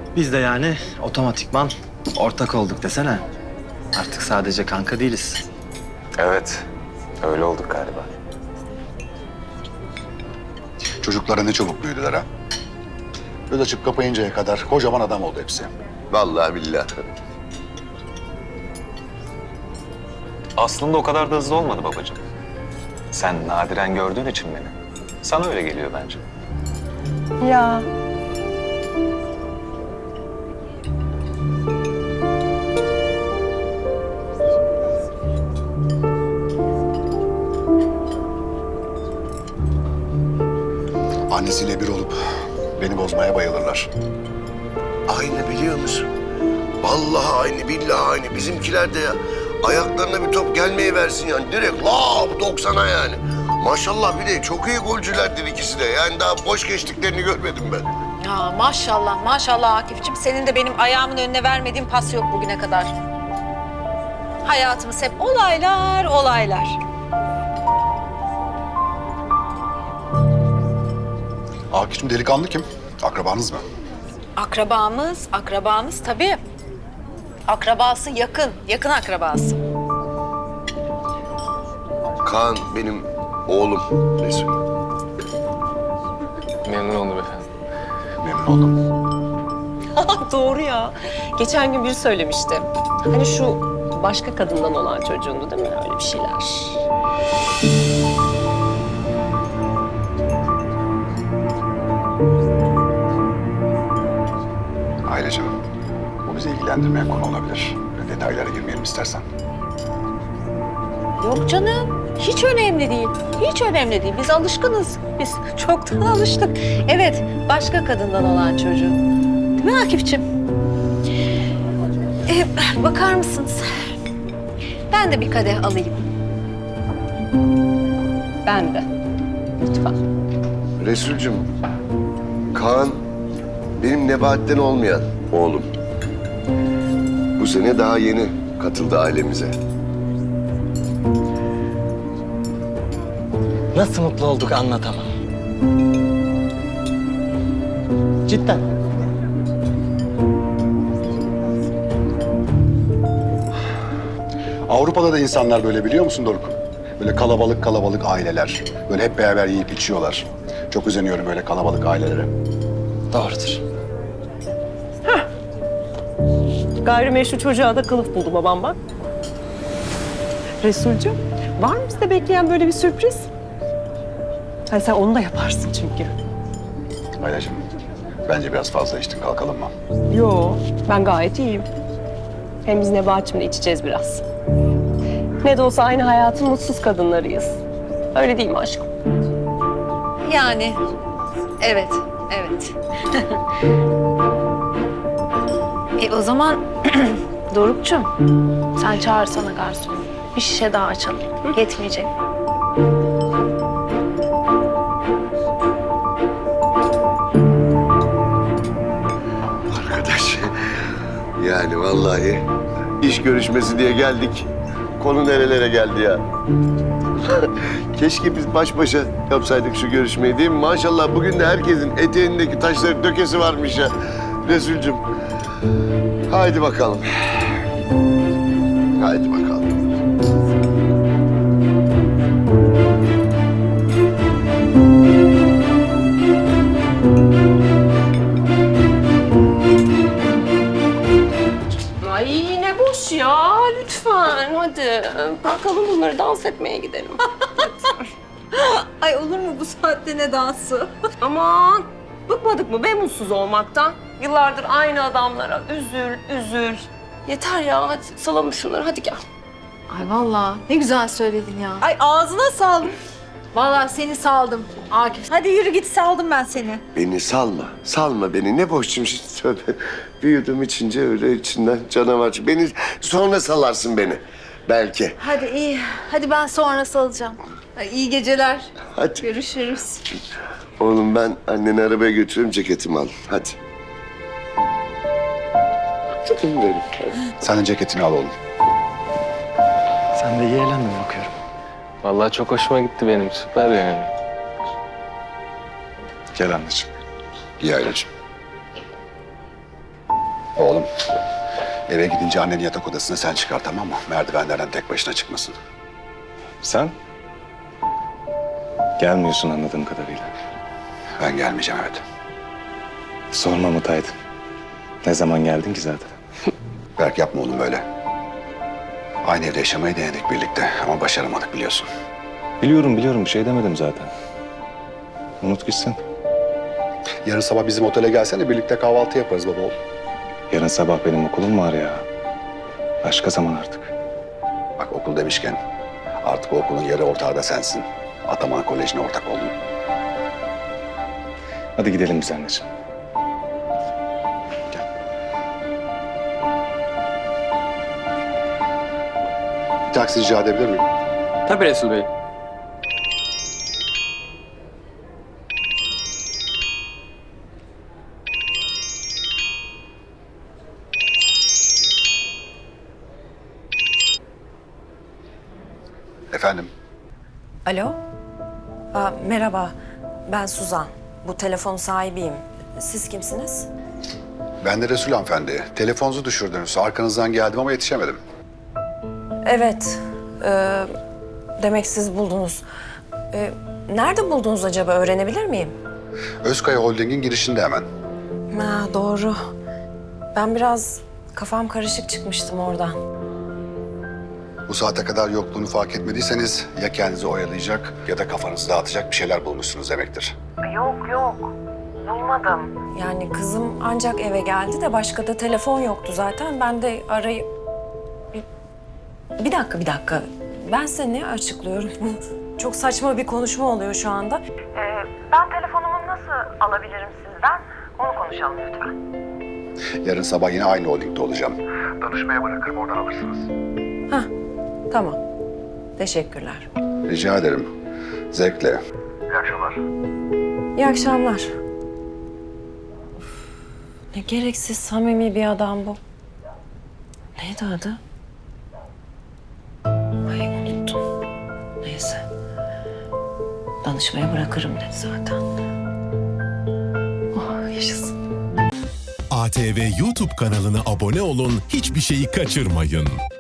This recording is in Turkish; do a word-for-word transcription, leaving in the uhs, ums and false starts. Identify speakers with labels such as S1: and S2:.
S1: Biz de yani otomatikman ortak olduk desene. Artık sadece kanka değiliz.
S2: Evet, öyle olduk galiba.
S3: Çocuklara ne çabuk büyüdüler ha. Göz açıp kapayıncaya kadar kocaman adam oldu hepsi.
S4: Vallahi billahi.
S2: Aslında o kadar da hızlı olmadı babacığım. Sen nadiren gördüğün için beni. Sana öyle geliyor bence.
S5: Ya.
S3: Annesiyle bir olup beni bozmaya bayılırlar.
S4: Aynı biliyor musun? Vallahi aynı, billahi aynı. Bizimkiler de ya ayaklarına bir top gelmeye versin yani. Direkt la doksana yani. Maşallah bir de çok iyi golcülerdir ikisi de. Yani daha boş geçtiklerini görmedim ben.
S6: Ya maşallah, maşallah Akif'ciğim. Senin de benim ayağımın önüne vermediğin pas yok bugüne kadar. Hayatımız hep olaylar, olaylar.
S3: Akif'cim delikanlı kim? Akrabanız mı?
S6: Akrabamız, akrabamız tabii. Akrabası yakın, yakın akrabası.
S4: Kaan benim oğlum Resul.
S2: Memnun oldum efendim.
S3: Memnun oldum.
S5: Doğru ya. Geçen gün biri söylemişti. Hani şu başka kadından olan çocuğundu değil mi? Öyle bir şeyler.
S3: Ailecim, bu bizi ilgilendirmeyen konu olabilir. Böyle detaylara girmeyelim istersen.
S6: Yok canım, hiç önemli değil. Hiç önemli değil. Biz alışkınız. Biz çoktan alıştık. Evet, başka kadından olan çocuğu. Değil mi Akif'ciğim? Ee, bakar mısınız? Ben de bir kadeh alayım.
S5: Ben de. Lütfen.
S4: Resulcüm, Kaan benim Nebahat'ten olmayan oğlum. Bu sene daha yeni katıldı ailemize.
S1: Nasıl mutlu olduk anlatamam. Cidden.
S3: Avrupa'da da insanlar böyle biliyor musun Doruk? Böyle kalabalık kalabalık aileler. Böyle hep beraber yiyip içiyorlar. Çok özeniyorum böyle kalabalık ailelere.
S1: Doğrudur.
S5: Gayrimeşru çocuğa da kılıf buldu babam bak. Resulcüğüm, var mı bizde bekleyen böyle bir sürpriz? Hani sen onu da yaparsın çünkü.
S3: Aileciğim, bence biraz fazla içtin, kalkalım mı?
S5: Yo, ben gayet iyiyim. Hem biz Nebahat'cığımla içeceğiz biraz. Ne de olsa aynı hayatın mutsuz kadınlarıyız. Öyle değil mi aşkım?
S6: Yani, evet, evet. e o zaman Doruk'cum, sen çağırsana garsonu. Bir şişe daha açalım. Yetmeyecek.
S4: Arkadaş, yani vallahi iş görüşmesi diye geldik. Konu nerelere geldi ya? Keşke biz baş başa yapsaydık şu görüşmeyi değil mi? Maşallah bugün de herkesin eteğindeki taşları dökesi varmış ya. Resulcüm, haydi bakalım. Haydi bakalım.
S5: Ay ne boş ya, lütfen hadi. Bırakalım bunları, dans etmeye gidelim.
S6: Ay olur mu bu saatte ne dansı?
S5: Aman, bıkmadık mı be mutsuz olmaktan? Yıllardır aynı adamlara üzül, üzül. Yeter ya, hadi salalım şunları, hadi gel.
S6: Ay vallahi ne güzel söyledin ya. Ay ağzına saldım. Vallahi seni saldım Akif. Hadi yürü git, saldım ben seni.
S4: Beni salma, salma beni. Ne boşçum şimdi tövbe. Büyüdüm içince öyle içinden canavar. çık- Beni sonra salarsın beni. Belki.
S6: Hadi iyi. Hadi ben sonra salacağım. Ay, iyi geceler.
S4: Hadi.
S6: Görüşürüz.
S4: Oğlum ben anneni arabaya götürüyorum, ceketimi al. Hadi. Canım benim. Hadi.
S3: Sen de ceketini al oğlum.
S1: Sen de iyi eğlendin bakıyorum.
S2: Vallahi çok hoşuma gitti benim. Süper yani.
S3: Gel anneciğim.
S4: İyi aileciğim.
S3: Oğlum, eve gidince annenin yatak odasına sen çıkar, tamam mı? Merdivenlerden tek başına çıkmasın.
S2: Sen? Gelmiyorsun anladığım kadarıyla.
S3: Ben gelmeyeceğim, evet.
S2: Sorma Mutaydı. Ne zaman geldin ki zaten?
S3: Berk, yapma oğlum böyle. Aynı evde yaşamayı denedik birlikte ama başaramadık biliyorsun.
S2: Biliyorum biliyorum bir şey demedim zaten. Unut gitsin.
S3: Yarın sabah bizim otele gelsene, birlikte kahvaltı yaparız baba oğlum.
S2: Yarın sabah benim okulum var ya. Başka zaman artık.
S3: Bak, okul demişken artık o okulun yarı ortağı da sensin. Ataman Koleji'ne ortak oldun.
S2: Hadi gidelim biz anneciğim.
S3: Bir taksi rica edebilir miyim?
S7: Tabii Resul Bey.
S3: Efendim?
S8: Alo? Aa, merhaba, ben Suzan. Bu telefonun sahibiyim. Siz kimsiniz?
S3: Ben de Resul hanımefendi. Telefonunuzu düşürdünüz. Arkanızdan geldim ama yetişemedim.
S8: Evet, ee, demek siz buldunuz. Ee, nerede buldunuz acaba, öğrenebilir miyim?
S3: Özkaya Holding'in girişinde hemen.
S8: Ha, doğru. Ben biraz kafam karışık çıkmıştım oradan.
S3: Bu saate kadar yokluğunu fark etmediyseniz ya kendinizi oyalayacak ya da kafanızı dağıtacak bir şeyler bulmuşsunuz demektir.
S8: Yok yok, bulmadım. Yani kızım ancak eve geldi de başka da telefon yoktu zaten. Ben de arayıp... Bir, bir dakika, bir dakika. Ben size ne açıklıyorum? Çok saçma bir konuşma oluyor şu anda. Ee, ben telefonumu nasıl alabilirim sizden? Onu konuşalım lütfen.
S3: Yarın sabah yine aynı holdingde olacağım. Danışmaya bırakırım, oradan alırsınız.
S8: Hah, tamam. Teşekkürler.
S3: Rica ederim. Zevkle.
S8: İyi akşamlar. Of, ne gereksiz samimi bir adam bu. Neydi adı? Ay unuttum. Neyse. Danışmaya bırakırım dedi zaten. Oh yaşasın.
S9: A T V YouTube kanalına abone olun, hiçbir şeyi kaçırmayın.